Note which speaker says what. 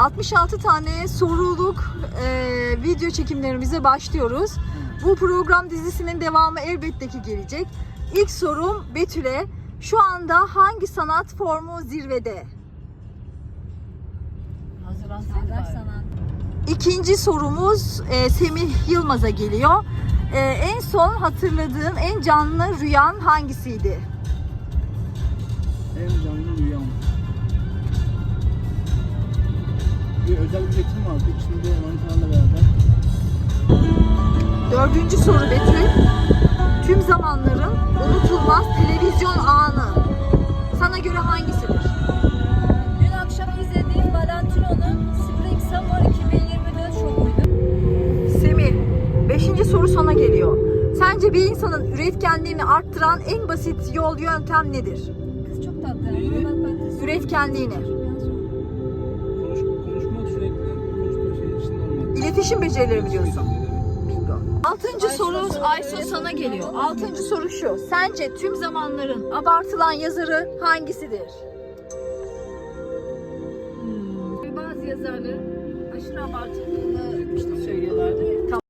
Speaker 1: 66 tane soruluk video çekimlerimize başlıyoruz. Bu program dizisinin devamı elbette ki gelecek. İlk sorum Betül'e. Şu anda hangi sanat formu zirvede?
Speaker 2: Çağdaş sanat.
Speaker 1: İkinci sorumuz Semih Yılmaz'a geliyor. En son hatırladığın en canlı rüyan hangisiydi?
Speaker 3: En canlı rüyam. Bir özel bir üretim vardı. İçinde manitalarla beraber.
Speaker 1: Dördüncü soru Betül. Tüm zamanların unutulmaz televizyon anı sana göre hangisidir?
Speaker 2: Dün akşam izlediğim Valentino'nun Spring Summer 2024 şovuydu.
Speaker 1: Semih, beşinci soru sana geliyor. Sence bir insanın üretkenliğini arttıran en basit yöntem nedir?
Speaker 2: Kız çok tatlı.
Speaker 1: Üretkenliğini.
Speaker 3: Konuşmak sürekli. Konuşma şeyin içinde olmak.
Speaker 1: İletişim becerileri mi diyorsun? Bingo. Altıncı soru Aysu sana geliyor. Altıncı soru şu. Sence tüm zamanların abartılan yazarı hangisidir?
Speaker 2: Bazı yazarların aşırı abartıldığını söylüyorlardı.